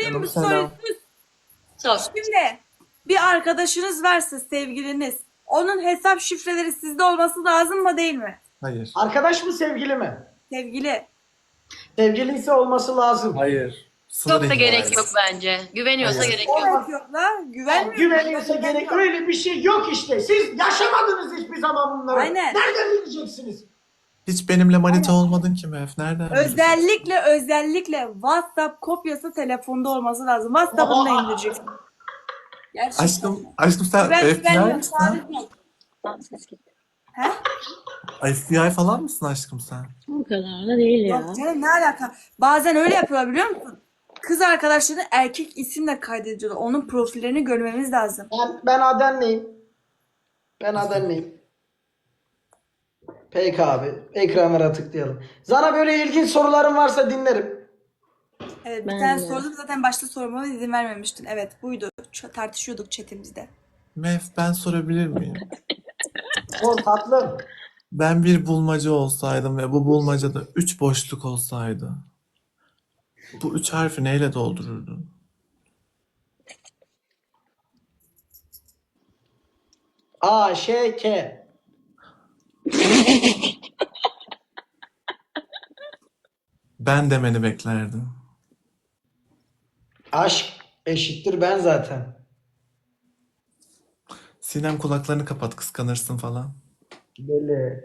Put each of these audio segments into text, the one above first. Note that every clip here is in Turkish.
sorayım mı? Selam. Sor. Şimdi bir arkadaşınız varsa sevgiliniz. Onun hesap şifreleri sizde olması lazım mı değil mi? Hayır. Arkadaş mı sevgili mi? Sevgili. Sevgili ise olması lazım. Hayır. Sınır Çok da ihlali. gerek yok bence. Güveniyorsa Hayır. gerek yok. Gerek yok la. Güvenmiyor. Güveniyorsa gerek öyle bir şey yok işte. Siz yaşamadınız hiçbir zaman bunları. Aynen. Nereden bileceksiniz? Hiç benimle manita olmadın ki Mef. Nereden bileceksin? Özellikle WhatsApp kopyası telefonda olması lazım. WhatsApp'ını da indireceksin. Gerçekten. Aşkım sen FBI güvenmiyorum. misin? Sadece yok. Tamam, ses gitti. He? FBI falan mısın aşkım sen? O kadar da değil ya. Yok canım, ne alaka? Bazen öyle yapıyorlar biliyor musun? Kız arkadaşlarını erkek isimle kaydediyorlar. Onun profillerini görmemiz lazım. Ben Adenliyim. Ben Adenliyim. Peki abi. Ekranlara tıklayalım. Sana böyle ilginç soruların varsa dinlerim. Evet, bir Ben tane de. sordum zaten, başta sormama izin vermemiştin. Evet, buydu. Tartışıyorduk chatimizde. Mef ben sorabilir miyim? Sor tatlım. Ben bir bulmaca olsaydım ve bu bulmacada 3 boşluk olsaydı. Bu 3 harfi neyle doldururdun? A, Ş, K. Ben demeni beklerdim. Aşk eşittir ben zaten. Sinem kulaklarını kapat, kıskanırsın falan. Böyle.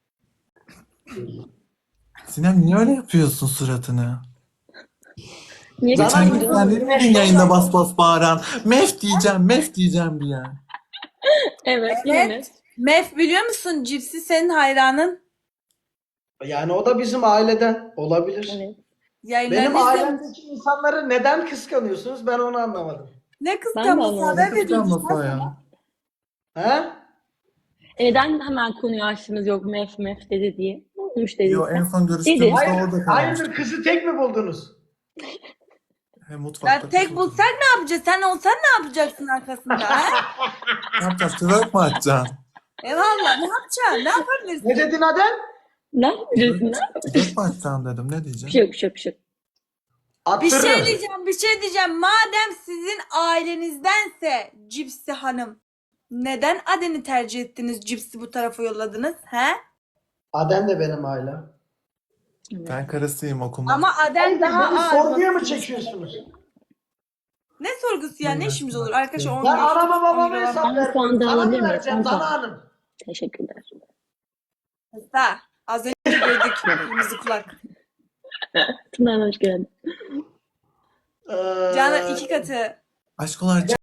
Sinem niye öyle yapıyorsun suratını? Niye Sana Geçen gün gidiyorum. sen değil miydin yayında bas bas bağıran? Mef diyeceğim, mef diyeceğim diye. Evet, yine. Mef, biliyor musun? Cipsi senin hayranın. Yani o da bizim aileden olabilir. Evet. Yayınlarını Benim izlemiş. ailemdeki insanları neden kıskanıyorsunuz? Ben onu anlamadım. Ne Ben de kıskanması, anlamadım. haber Kıskanma veriyorsun. Soya. He? Neden hemen konuyu açtınız, yok mef mef dedi diye? Ne olmuş dediyse? Yo, en son Dedi. görüştüğümüzde Hayır, orada kalmıştık. hayırdır kızı tek mi buldunuz? He, mutfakta Ya tek kızıldı. bulsak ne yapacağız? Sen olsan ne yapacaksın arkasında? He? Ne yapacağız? Twerk mi atacaksın? Eyvallah, ne yapacaksın? Ne yapabilirsin? Ne dedin Adem? Ne yapacaksın? Twerk mi atacaksın dedim. Ne Bir diyeceğim? şey yok, bir şey yok, bir şey yok. Attırırım. Bir şey diyeceğim. Madem sizin ailenizdense Cipsi Hanım, neden Aden'i tercih ettiniz? Cipsi bu tarafa yolladınız. He? Adem de benim ailem. Ben karısıyım, okuma. Ama Aden daha Beni ağır. sorguya mı çekiyorsunuz? Ne sorgusu ya? Ne işimiz olur? Arkadaşlar 10 Ben anama babama 10 euro hesap Ben vermiyorum. puan da Sana alabilir mı miyim? vereceğim Ben puan. Dana Hanım? Teşekkürler. Ha, az önce gördük kırmızı kulak. Tınar'ın hoş geldin. Ee, Canan 2 katı. Aşkolar